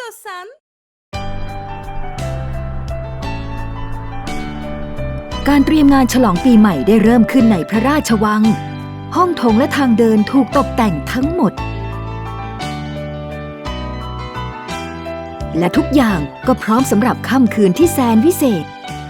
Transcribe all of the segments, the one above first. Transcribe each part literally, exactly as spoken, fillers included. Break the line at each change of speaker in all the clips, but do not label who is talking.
istiyorsan.
การเตรียมงานฉลองปีใหม่ได้เริ่มขึ้นในพระราชวัง ห้องโถงและทางเดินถูกตกแต่งทั้งหมด และทุกอย่างก็พร้อมสำหรับค่ำคืนที่แสนวิเศษ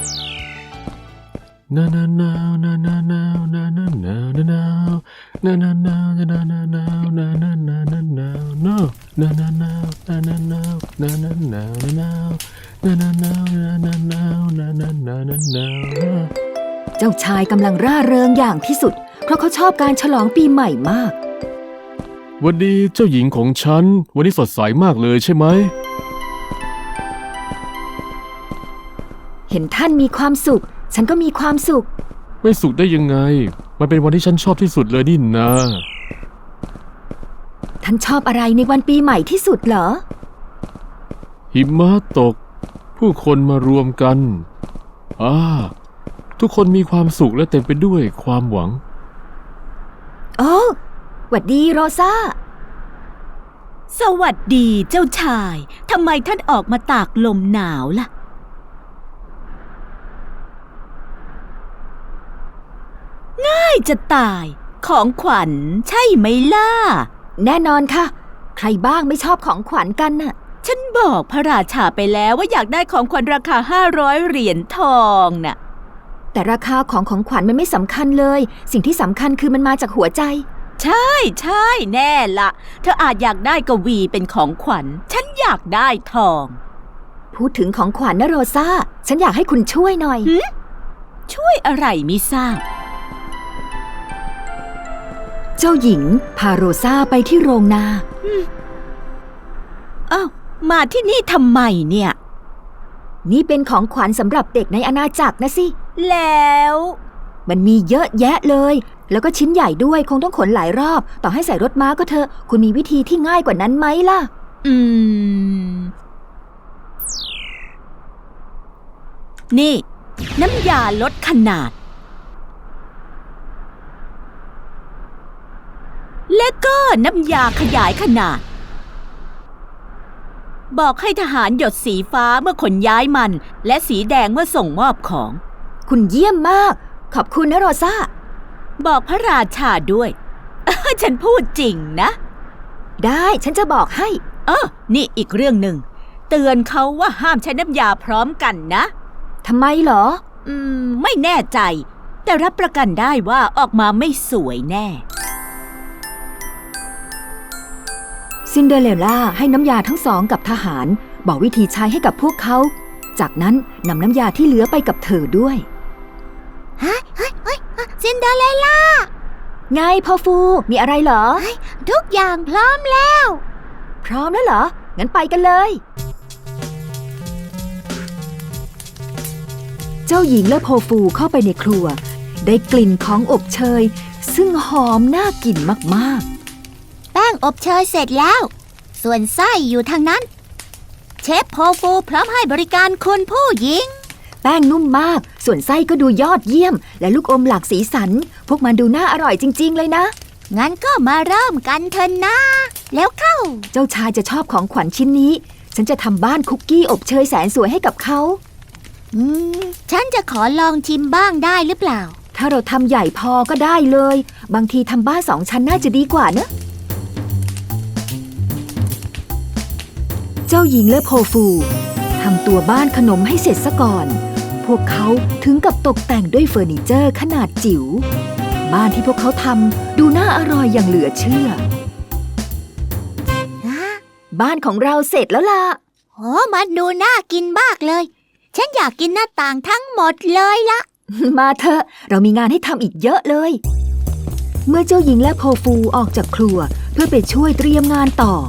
นานานาวนานานาวนานานาวนานาวนานานาวนานานาวนานานาวนานาวนานานานาวนานานาวนานานาวนานาวนานานาวนานานาวนานานาวนานา
เจ้าชายกำลังร่าเริงอย่างที่สุดเพราะเขาชอบการฉลองปีใหม่มาก
วันดีเจ้าหญิงของฉันวันนี้สดใสมากเลยใช่ไหม
เห็นท่านมีความสุขฉันก็มีความสุข
ไม่สุขได้ยังไงมันเป็นวันที่ฉันชอบที่สุดเลยนี่นะ
ท่านชอบอะไรในวันปีใหม่ที่สุดเหรอ
หิมะตกผู้คนมารวมกันอ่าทุกคนมีความสุขและเต็มไปด้วยความหวัง
โอ้หวัดดีโรซา
สวัสดีเจ้าชายทำไมท่านออกมาตากลมหนาวล่ะง่ายจะตายของขวัญใช่ไหมล่ะ
แน่นอนค่ะใครบ้างไม่ชอบของขวัญกันน่ะ
ฉันบอกพระราชาไปแล้วว่าอยากได้ของขวัญราคาห้าร้อยเหรียญทองน่ะ
แต่ราคาของของขวัญมันไม่สำคัญเลยสิ่งที่สำคัญคือมันมาจากหัวใจ
ใช่ใช่แน่ละเธออาจอยากได้กวีเป็นของขวัญฉันอยากได้ทอง
พูดถึงของขวัญนะโรซาฉันอยากให้คุณช่วยหน่อย
ช่วยอะไรมิทราบ
เจ้าหญิงพาโรซาไปที่โรงนา
อ้าวมาที่นี่ทำไมเนี่ย
นี่เป็นของขวัญสำหรับเด็กในอาณาจักรนะสิ
แล้ว
มันมีเยอะแยะเลยแล้วก็ชิ้นใหญ่ด้วยคงต้องขนหลายรอบต่อให้ใส่รถม้าก็เถอะคุณมีวิธีที่ง่ายกว่านั้นไหมล่ะ
อืมนี่น้ำยาลดขนาดและก็น้ำยาขยายขนาดบอกให้ทหารหยดสีฟ้าเมื่อขนย้ายมันและสีแดงเมื่อส่งมอบของ
คุณเยี่ยมมากขอบคุณนะโรซา
บอกพระราชาด้วยฉันพูดจริงนะ
ได้ฉันจะบอกให้
เออนี่อีกเรื่องหนึ่งเตือนเขาว่าห้ามใช้น้ำยาพร้อมกันนะ
ทำไมเหรอ
อืมไม่แน่ใจแต่รับประกันได้ว่าออกมาไม่สวยแน่
ซินเดอเรลล่าให้น้ำยาทั้งสองกับทหารบอกวิธีใช้ให้กับพวกเขาจากนั้นนำน้ำยาที่เหลือไปกับเธอด้วย
ฮะเฮ้ยเฮ้ยซินเดอเรลล่า
ไงพ่อฟูมีอะไรเหรอ
ทุกอย่างพร้อมแล้ว
พร้อมแล้วเหรองั้นไปกันเลยเจ้าหญิงและโพฟูเข้าไปในครัวได้กลิ่นของอบเชยซึ่งหอมน่ากินมากๆ
แป้งอบเชยเสร็จแล้วส่วนไส้อยู่ทางนั้นเชฟโพฟูพร้อมให้บริการคุณผู้หญิง
แป้งนุ่มมากส่วนไส้ก็ดูยอดเยี่ยมและลูกอมหลากสีสันพวกมันดูน่าอร่อยจริงๆเลยนะ
งั้นก็มาเริ่มกันเถอะนะแล้วเข้า
เจ้าชายจะชอบของขวัญชิ้นนี้ฉันจะทำบ้านคุกกี้อบเชยแสนสวยให้กับเขา
อืมฉันจะขอลองชิมบ้างได้หรือเปล่า
ถ้าเราทำใหญ่พอก็ได้เลยบางทีทำบ้านสองชั้นน่าจะดีกว่านะเจ้าหญิงและโพฟูทำตัวบ้านขนมให้เสร็จซะก่อนพวกเขาถึงกับตกแต่งด้วยเฟอร์นิเจอร์ขนาดจิ๋วบ้านที่พวกเขาทำดูน่าอร่อยอย่างเหลือเชื่อบ้านของเราเสร็จแล้วล่ะ
โอ้มันดูน่ากินมากเลยฉันอยากกินหน้าต่างทั้งหมดเลยละ
มาเถอะเรามีงานให้ทำอีกเยอะเลยเมื่อเจ้าหญิงและโพฟูออกจากครัวเพื่อไปช่วยเตรียมงานต่อ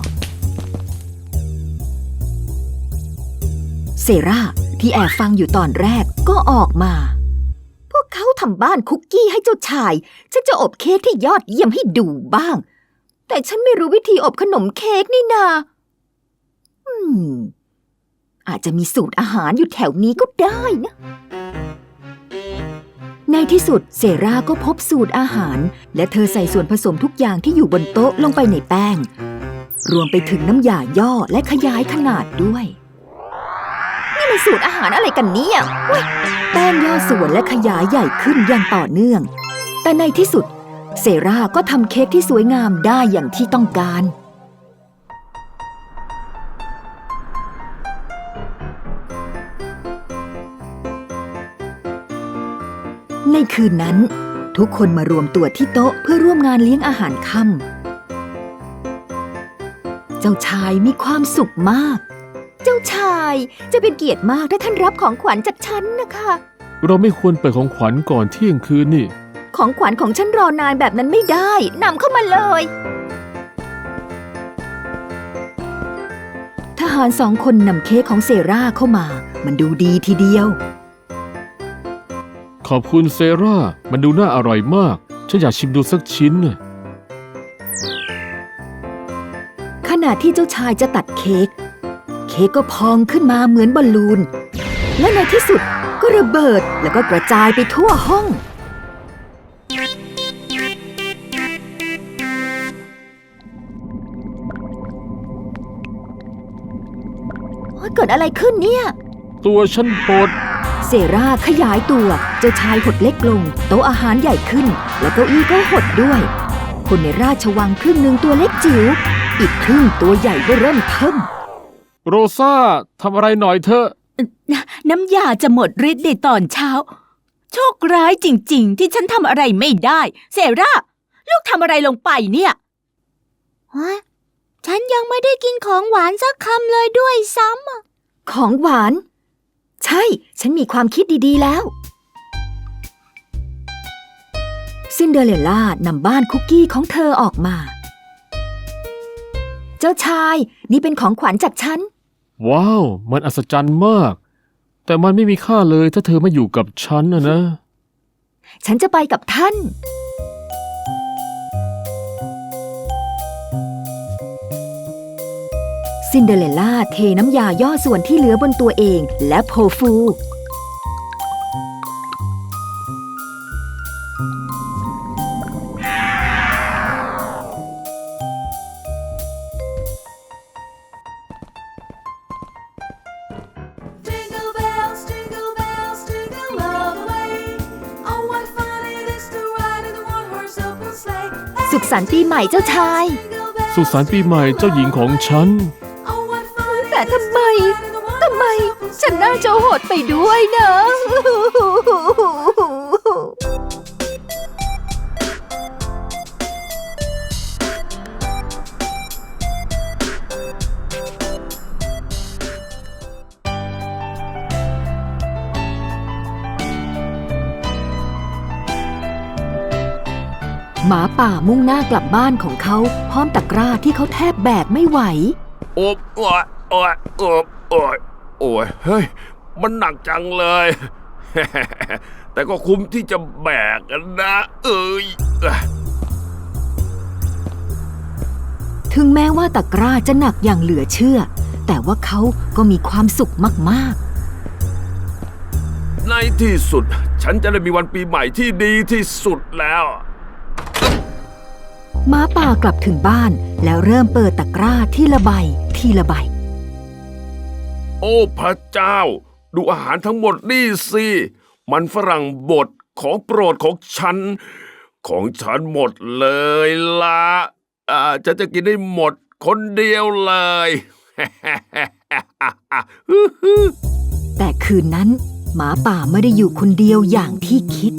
เซราที่แอบฟังอยู่ตอนแรกก็ออกมาพวกเขาทำบ้านคุกกี้ให้เจ้าชายฉันจะอบเค้กที่ยอดเยี่ยมให้ดูบ้างแต่ฉันไม่รู้วิธีอบขนมเค้กนี่นาอืมอาจจะมีสูตรอาหารอยู่แถวนี้ก็ได้นะในที่สุดเซราก็พบสูตรอาหารและเธอใส่ส่วนผสมทุกอย่างที่อยู่บนโต๊ะลงไปในแป้งรวมไปถึงน้ำยาย่อและขยายขนาดด้วย นี่มันสูตรอาหารอะไรกันเนี่ยเว้ยแป้งย่อส่วนและขยายใหญ่ขึ้นอย่างต่อเนื่อง แต่ในที่สุดเซราก็ทำเค้กที่สวยงามได้อย่างที่ต้องการ ในคืนนั้นทุกคนมารวมตัวที่โต๊ะเพื่อร่วมงานเลี้ยงอาหารค่ำเจ้าชายมีความสุขมาก เจ้าชายจะเป็นเกียรติมากถ้าท่านรับของขวัญจากฉันนะคะ
เราไม่ควรเปิดของขวัญก่อนเที่ยงคืนนี่
ของขวัญของฉันรอนานแบบนั้นไม่ได้นำเข้ามาเลยทหารสองคนนำเค้กของเซราเข้ามามันดูดีทีเดียว
ขอบคุณเซรามันดูน่าอร่อยมากฉันอยากชิมดูสักชิ้นน่ะ
ขณะที่เจ้าชายจะตัดเค้กเค้กก็พองขึ้นมาเหมือนบอลลูนและในที่สุดก็ระเบิดแล้วก็กระจายไปทั่วห้องเกิดอะไรขึ้นเนี่ย
ตัวฉันปวด
เซราขยายตัวเจ้าชายหดเล็กลงโต๊ะอาหารใหญ่ขึ้นและเก้าอี้ก็หดด้วยคนในราชวังครึ่งหนึ่งตัวเล็กจิ๋วอีกครึ่งตัวใหญ่ก็เริ่มเทิ่ม
โรซาทำอะไรหน่อยเถอะ
น้ำยาจะหมดฤทธิ์ในตอนเช้า โชคร้ายจริงๆ ที่ฉันทำอะไรไม่ได้เซราลูกทำอะไรลงไปเนี่ย
ฮะ ฉันยังไม่ได้กินของหวานสักคำเลยด้วยซ้ำอะ
ของหวาน ใช่ฉันมีความคิดดีๆแล้วซินเดอเรลล่านำบ้านคุกกี้ของเธอออกมา เจ้าชายนี่เป็นของขวัญจากฉัน
ว้าวมันอัศจรรย์มาก แต่มันไม่มีค่าเลยถ้าเธอไม่อยู่กับฉันนะนะ
ฉันจะไปกับท่านซินเดอเรลล่าเทน้ำยาย่อส่วนที่เหลือบนตัวเองและโพฟู
Jingle bells, jingle bells, jingle all the way. Oh, what fun it is to ride in a one-horse open sleigh.
สุขสันต์ปีใหม่เจ้าชาย
Jingle bells,
สุขสันต์ปีใหม่เจ้าหญิงของฉัน
oh, what fun it
แต่ทำไม
is to ride in a
ทำไม
one-horse open
ฉัน
sleigh.
น่าจะหดไปด้วยนะ หมาป่ามุ่งหน้ากลับบ้านของเขาพร้อมตะกร้าที่เขาแทบแบกไม่ไหว
โอบโอ้ยโอ้ยโอบโอ้ยโอ้ยเฮ้ย มันหนักจังเลย แต่ก็คุ้มที่จะแบกกันนะ เอ้ย
ถึงแม้ว่าตะกร้าจะหนักอย่างเหลือเชื่อ แต่ว่าเขาก็มีความสุขมาก
ในที่สุด ฉันจะได้มีวันปีใหม่ที่ดีที่สุดแล้ว
ๆหมาป่ากลับถึงบ้านแล้วเริ่มเปิดตะกร้าทีละใบทีละใบ
โอ้พระเจ้า ดูอาหารทั้งหมดนี่สิ มันฝรั่งบดของโปรดของฉัน ของฉันหมดเลยละอ่าฉันจะกินได้หมดคนเดียวเลย
แต่คืนนั้นหมาป่าไม่ได้อยู่คนเดียวอย่างที่คิด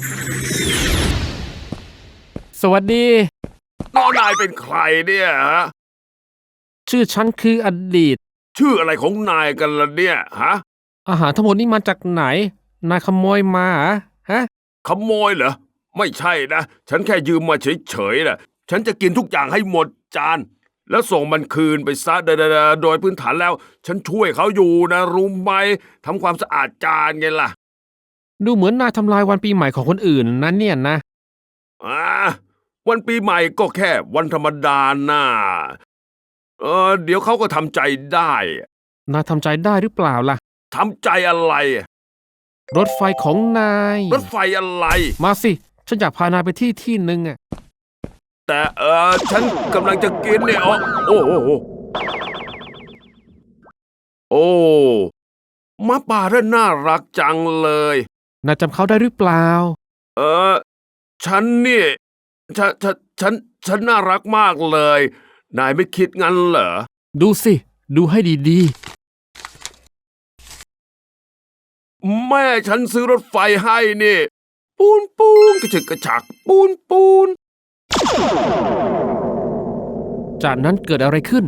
สวัสดี
น้องนายเป็นใครเนี่ยฮะ
ชื่อฉันคืออดีต
ชื่ออะไรของนายกันล่ะเนี่ยฮะ
อาหารทั้งหมดนี่มาจากไหน นายขโมยมาเหรอฮะ
ขโมยเหรอ ไม่ใช่นะ ฉันแค่ยืมมาเฉยๆนะฉันจะกินทุกอย่างให้หมดจาน แล้วส่งมันคืนไปซะเดอๆๆโดยพื้นฐานแล้ว ฉันช่วยเขาอยู่นะรู้ไหมทำความสะอาดจานไงล่ะ
ดูเหมือนนายทำลายวันปีใหม่ของคนอื่นนะเนี่ยนะ
อ่าวันปีใหม่ก็แค่วันธรรมดาน่าเออเดี๋ยวเขาก็ทำใจได้
นายทำใจได้หรือเปล่าล่ะ
ทำใจอะไร
รถไฟของนาย
รถไฟอะไร
มาสิ ฉันอยากพานายไปที่ที่หนึ่งอะ
แต่เออฉันกำลังจะกินเนี่ยอ๋อโอ้โอ้โอ้หมาป่าน่าน่ารักจังเลย
นายจำเขาได้หรือเปล่า
เออฉันนี่ฉันฉันฉันฉันน่ารักมากเลย นายไม่คิดงั้นเหรอ
ดูสิ ดูให้ดี
แม่ฉันซื้อรถไฟให้นี่ ปูนปูนกระฉึกกระฉัก ปูนปูน
ๆ จากนั้นเกิดอะไรขึ้น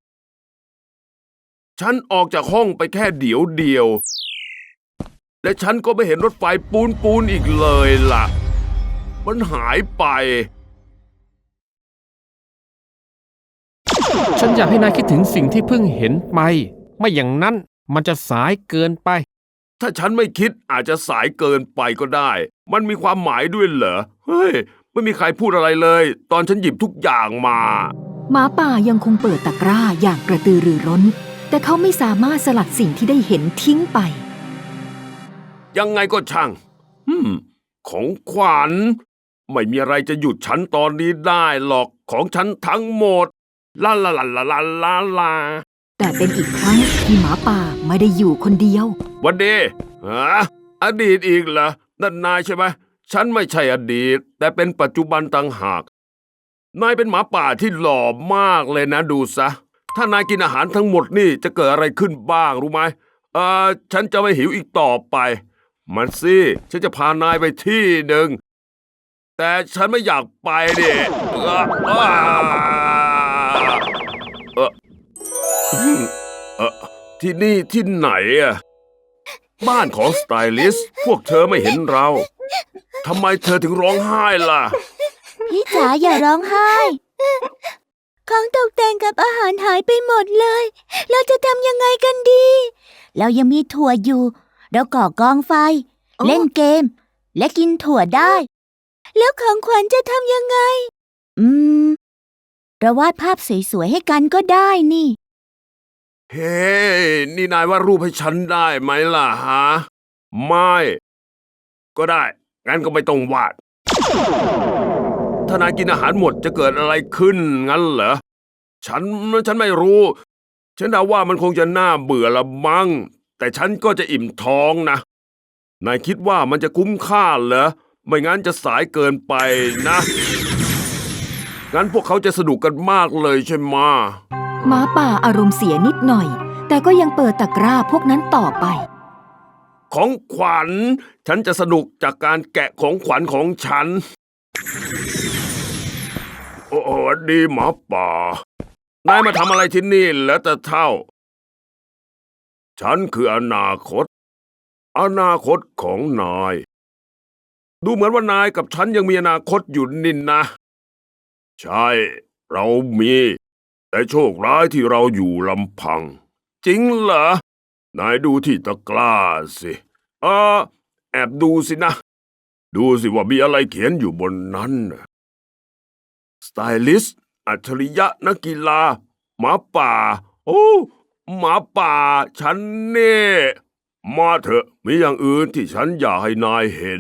ฉันออกจากห้องไปแค่เดี๋ยวเดียว และฉันก็ไม่เห็นรถไฟปูนปูนอีกเลยล่ะ มันหายไป
ฉันอยากให้นายคิดถึงสิ่งที่เพิ่งเห็นไป ไม่อย่างนั้นมันจะสายเกินไป
ถ้าฉันไม่คิดอาจจะสายเกินไปก็ได้ มันมีความหมายด้วยเหรอ เฮ้ย ไม่มีใครพูดอะไรเลย ตอนฉันหยิบทุกอย่างมา
หมาป่ายังคงเปิดตะกร้าอย่างกระตือรือร้น แต่เขาไม่สามารถสลัดสิ่งที่ได้เห็นทิ้งไป
ยังไงก็ช่างอืม ของขวัญ ไม่มีอะไรจะหยุดฉันตอนนี้ได้หรอก ของฉันทั้งหมด ลาลาลาลาลาลาลา
แต่เป็นอีกครั้งที่หมาป่าไม่ได้อยู่คนเดียว
วันดีฮะอดีตอีกเหรอ นั่นนายใช่ไหม ฉันไม่ใช่อดีต แต่เป็นปัจจุบันต่างหาก นายเป็นหมาป่าที่หล่อมากเลยนะดูซะ ถ้านายกินอาหารทั้งหมดนี่จะเกิดอะไรขึ้นบ้างรู้ไหมเออฉันจะไม่หิวอีกต่อไป มันสิฉันจะพานายไปที่หนึ่ง แต่ฉันไม่อยากไปเด็เออเออเออเออที่นี่ที่ไหนอะบ้านของสไตลิสต์พวกเธอไม่เห็นเราทำไมเธอถึงร้องไห้ล่ะ
พี่จ๋าอย่าร้องไห้ ของตกแต่งกับอาหารหายไปหมดเลย เราจะทำยังไงกันดี เรายังมีถั่วอยู่ เราก่อกองไฟ
อ๋อ
เล่นเกม และกินถั่วได้ แล้วของขวัญจะทำยังไง อืม เราวาดภาพสวยๆให้กันก็ได้นี่
เฮ้ นี่นายวาดรูปให้ฉันได้ไหมล่ะฮะ ไม่ ก็ได้ งั้นก็ไม่ต้องวาด ถ้านายกินอาหารหมดจะเกิดอะไรขึ้นงั้นเหรอ ฉันฉันไม่รู้ ฉันเดาว่ามันคงจะน่าเบื่อละมั้ง แต่ฉันก็จะอิ่มท้องนะ นายคิดว่ามันจะคุ้มค่าเหรอ ไม่งั้นจะสายเกินไปนะ งั้นพวกเขาจะสนุกกันมากเลยใช่ไหมะ
หมาป่าอารมณ์เสียนิดหน่อย แต่ก็ยังเปิดตะกร้าพวกนั้นต่อไป
ของขวัญ ฉันจะสนุกจากการแกะของขวัญของฉัน โอ้โหดีหมาป่า นายมาทำอะไรที่นี่แล้วแต่เท่า ฉันคืออนาคต อนาคตของนาย ดูเหมือนว่านายกับฉันยังมีอนาคตอยู่นินนะ ใช่ เรามี แต่โชคร้ายที่เราอยู่ลำพัง จริงเหรอ นายดูที่ตะกร้าสิเออแอบดูสินะ ดูสิว่ามีอะไรเขียนอยู่บนนั้นน่ะสไตลิสต์อัจฉริยะนักกีฬา หมาป่า โอ้หมาป่า ฉันเน่มาเถอะ มีอย่างอื่นที่ฉันอยากให้นายเห็น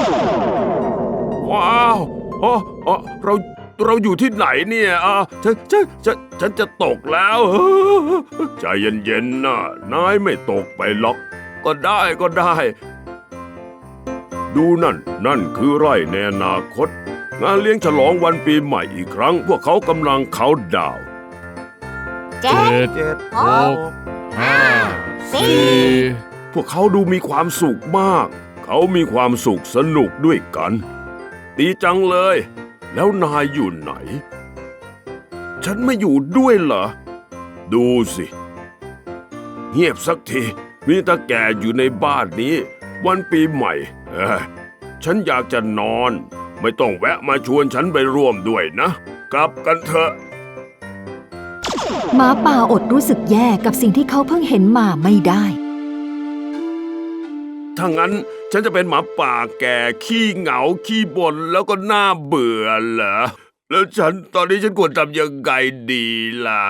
ว้าวอ๋ออ๋อเรา เราอยู่ที่ไหนเนี่ยอ่ะฉันฉันฉันฉันจะตกแล้ว ใจเย็นๆนะนายไม่ตกไปหรอก ก็ได้ก็ได้ ดูนั่น นั่นคือไร่ในอนาคต งานเลี้ยงฉลองวันปีใหม่อีกครั้ง พวกเขากำลังเขาน์ดาวน์
เจ็ด
เจ็ด
หก
ห้า
สี่
พวกเขาดูมีความสุขมาก เขามีความสุขสนุกด้วยกัน ดีจังเลย แล้วนายอยู่ไหน ฉันไม่อยู่ด้วยเหรอ ดูสิ เงียบสักที มีตาแก่อยู่ในบ้านนี้ วันปีใหม่เอ้ยฉันอยากจะนอน ไม่ต้องแวะมาชวนฉันไปร่วมด้วยนะ กลับกันเถอะ
หมาป่าอดรู้สึกแย่กับสิ่งที่เขาเพิ่งเห็นมาไม่ได้
ถ้างั้นฉันจะเป็นหมาป่าแก่ขี้เหงาขี้บ่นแล้วก็น่าเบื่อเหรอ แล้วฉันตอนนี้ฉันควรทำยังไงดีล่ะ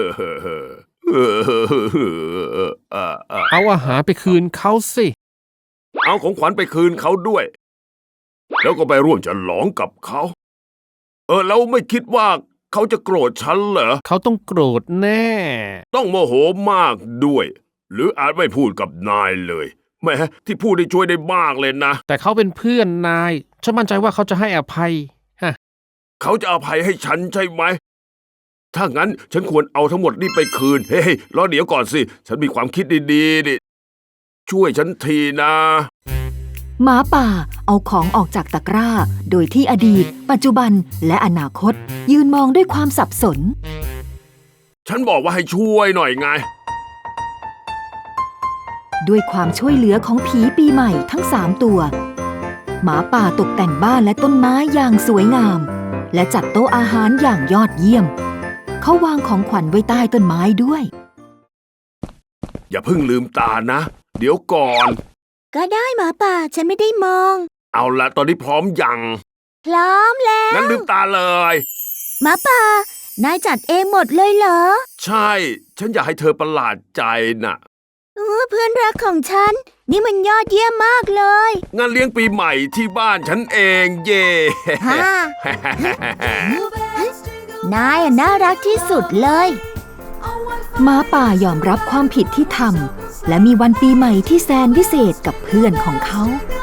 เอาอาหารไปคืนเขาสิ
เอาของขวัญไปคืนเขาด้วย แล้วก็ไปร่วมฉลองกับเขาเออแล้วไม่คิดว่าเขาจะโกรธฉันเหรอ
เขาต้องโกรธแน่
ต้องโมโหมากด้วย หรืออาจไม่พูดกับนายเลยแหม้ที่พูดได้ช่วยได้มากเลยนะ
แต่เขาเป็นเพื่อนนาย ฉันมั่นใจว่าเขาจะให้อภัย ฮะ
เขาจะอภัยให้ฉันใช่ไหม ถ้างั้นฉันควรเอาทั้งหมดนี่ไปคืน เฮ้ยรอเดี๋ยวก่อนสิ ฉันมีความคิดดีๆดิช่วยฉันทีนะ
หมาป่าเอาของออกจากตะกร้า โดยที่อดีต ปัจจุบันและอนาคต ยืนมองด้วยความสับสน
ฉันบอกว่าให้ช่วยหน่อยไง
ด้วยความช่วยเหลือของผีปีใหม่ทั้งสามตัว หมาป่าตกแต่งบ้านและต้นไม้อย่างสวยงาม และจัดโต๊ะอาหารอย่างยอดเยี่ยม เขาวางของขวัญไว้ใต้ต้นไม้ด้วย
อย่าเพิ่งลืมตานะ เดี๋ยวก่อน
ก็ได้หมาป่าฉันไม่ได้มอง
เอาละตอนนี้พร้อมยัง
พร้อมแล้ว
งั้นลืมตาเลย
หมาป่านายจัดเองหมดเลยเหรอ
ใช่ ฉันอยากให้เธอประหลาดใจน่ะ
เออเพื่อนรักของฉัน นี่มันยอดเยี่ยมมากเลย
งานเลี้ยงปีใหม่ที่บ้านฉันเองเย่
ฮ่า นายอะน่ารักที่สุดเลย
หมาป่ายอมรับความผิดที่ทำและมีวันปีใหม่ที่แสนวิเศษกับเพื่อนของเขา
Jingle